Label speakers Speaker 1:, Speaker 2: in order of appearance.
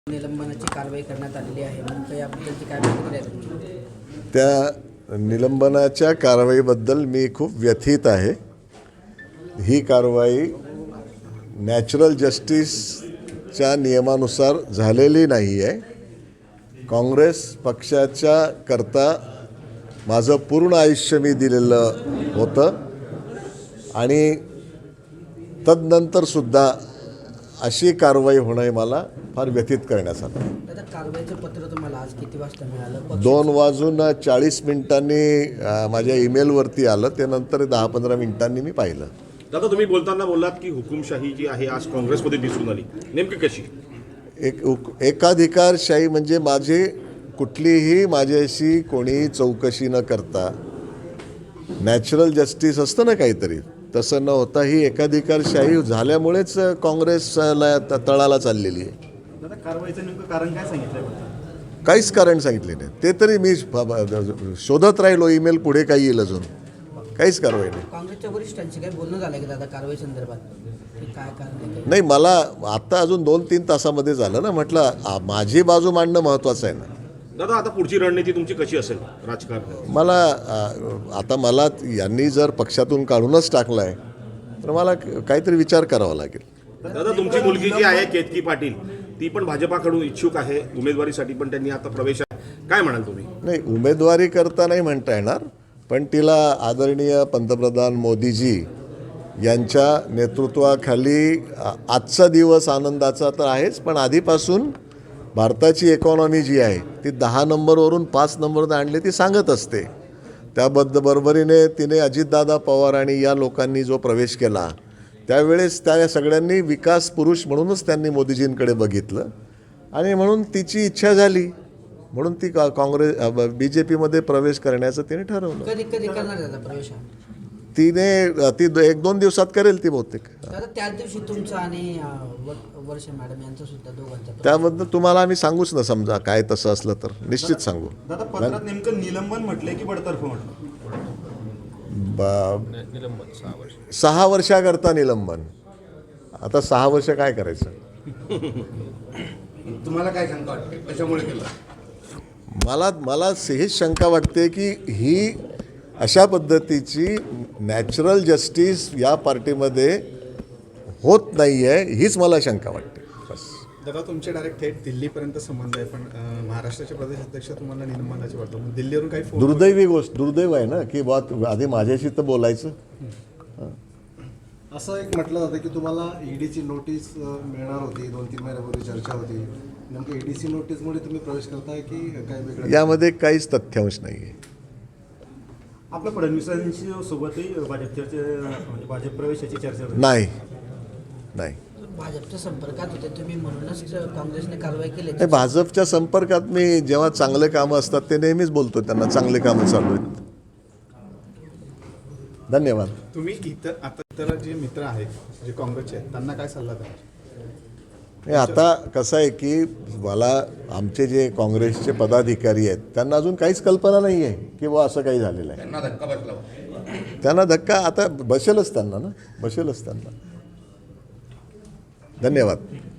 Speaker 1: निलंबनाची कारवाई करण्यात आलेली आहे. नेमकं याबद्दलची काय प्रतिक्रिया आहे?
Speaker 2: त्या निलंबनाच्या कारवाईबद्दल मी खूप व्यथित आहे. ही कारवाई नॅचरल जस्टिसच्या नियमानुसार झालेली नाही आहे. काँग्रेस पक्षाच्या करता माझं पूर्ण आयुष्य मी दिलेलं होतं आणि तदनंतरसुद्धा अशी कारवाई होणं हे मला फार व्यथित करण्यात आलं.
Speaker 1: दादा, कारवाईचं पत्र तुम्हाला आज किती वाजता मिळालं?
Speaker 2: 2:40 माझ्या ईमेलवरती आलं. ते नंतर 10-15 मिनिटांनी मी पाहिलं.
Speaker 3: दादा, तुम्ही बोलताना बोललात की हुकुमशाही जी आहे आज काँग्रेसमध्ये दिसून आली, नेमकी कशी?
Speaker 2: एकाधिकारशाही म्हणजे कुठलीही माझ्याशी कोणी चौकशी न करता नॅचरल जस्टिस असतं ना काहीतरी, तसं न होता ही एकाधिकारशाही झाल्यामुळेच काँग्रेसला तळाला चाललेली आहे.
Speaker 4: दादा, कारवाईचं नेमकं कारण काय सांगितलं?
Speaker 2: काहीच कारण सांगितले नाही. ते तरी मी शोधत राहिलो. ईमेल पुढे काही येईल अजून. काहीच कारवाई नाही.
Speaker 1: काँग्रेसच्या वरिष्ठांशी काही बोलणं झालं की दादा कारवाई संदर्भात काय कारण आहे?
Speaker 2: नाही, मला आत्ता अजून 2-3 तासामध्ये झालं ना. म्हटलं माझी बाजू मांडणं महत्त्वाचं आहे ना.
Speaker 3: दादा, आता पुढची रणनीती तुमची कशी असेल राजकारणात?
Speaker 2: मला यांनी जर पक्षातून काढूनच टाकलं आहे तर मला काहीतरी विचार करावा लागेल.
Speaker 3: दादा, तुमची मुलगी जी आहे केतकी पाटील, ती पण भाजपाकडून इच्छुक आहे उमेदवारीसाठी, पण त्यांनी आता प्रवेश आहे. काय म्हणाल तुम्ही?
Speaker 2: नाही, उमेदवारी करता नाही म्हणता येणार, पण तिला आदरणीय पंतप्रधान मोदीजी यांच्या नेतृत्वाखाली आजचा दिवस आनंदाचा तर आहेच, पण आधीपासून भारताची इकॉनॉमी जी आहे ती 10 नंबरवरून 5 नंबरवर आणली ती सांगत असते. बरोबरीने तिने अजितदादा पवार आणि या लोकांनी जो प्रवेश केला त्यावेळेस त्या सगळ्यांनी विकास पुरुष म्हणूनच त्यांनी मोदीजींकडे बघितलं आणि म्हणून तिची इच्छा झाली म्हणून ती BJPमध्ये प्रवेश करण्याचं तिने ठरवलं.
Speaker 1: कधी करणार दादा प्रवेश?
Speaker 2: ती 1-2 दिवसात करेल ती बहुतेक.
Speaker 1: दादा, त्याच दिवशी तुमचा आणि वर्ष मॅडम यांचं सुद्धा दोघांचं
Speaker 2: त्याबद्दल तुम्हाला आम्ही सांगूच ना. समजा काय तसं असलं तर निश्चित सांगू.
Speaker 4: दादा, पत्रात नेमकं निलंबन म्हटलंय की बडतर्फ म्हटलं?
Speaker 2: 6 वर्षाकरता निलंबन. आता 6 वर्ष काय करायचं?
Speaker 4: तुम्हाला काय शंका वाटते कशामुळे केलं?
Speaker 2: मला हेच शंका वाटते की ही अशा पद्धतीची नॅचरल जस्टिस या पार्टीमध्ये होत नाही आहे, हीच मला शंका वाटते. बस.
Speaker 4: दादा, तुमचे डायरेक्ट थेट दिल्लीपर्यंत संबंध आहे, पण महाराष्ट्राचे प्रदेश अध्यक्ष तुम्हाला निलंबनाची वाटतं. मग दिल्लीवरून काही फोन?
Speaker 2: दुर्दैव आहे ना की आधी माझ्याशी तर बोलायचं.
Speaker 5: असं एक म्हटलं जातं की तुम्हाला ईडीची नोटीस मिळणार होती, 2-3 महिन्यापूर्वी चर्चा होती. नेमकं ईडीसी नोटीसमुळे तुम्ही प्रवेश करताय की काय वेगळं?
Speaker 2: यामध्ये काहीच तथ्यांश नाही आहे.
Speaker 4: आपल्या फडणवीसांशी सोबतही भाजप प्रवेशाची चर्चा होती?
Speaker 2: नाही.
Speaker 1: भाजपच्या संपर्कात होते तुम्ही म्हणूनच काँग्रेसने कारवाई केली?
Speaker 2: नाही, भाजपच्या संपर्कात मी जेव्हा चांगले कामं असतात ते नेहमीच बोलतो त्यांना चांगले कामं चालू आहेत. धन्यवाद.
Speaker 4: तुम्ही इतर जे मित्र आहेत जे काँग्रेसचे आहेत त्यांना काय सल्ला द्याल?
Speaker 2: आता कसं आहे की मला आमचे जे काँग्रेसचे पदाधिकारी आहेत त्यांना अजून काहीच कल्पना नाही आहे की असं काही झालेलं आहे. त्यांना धक्का आता बसेलच त्यांना. धन्यवाद.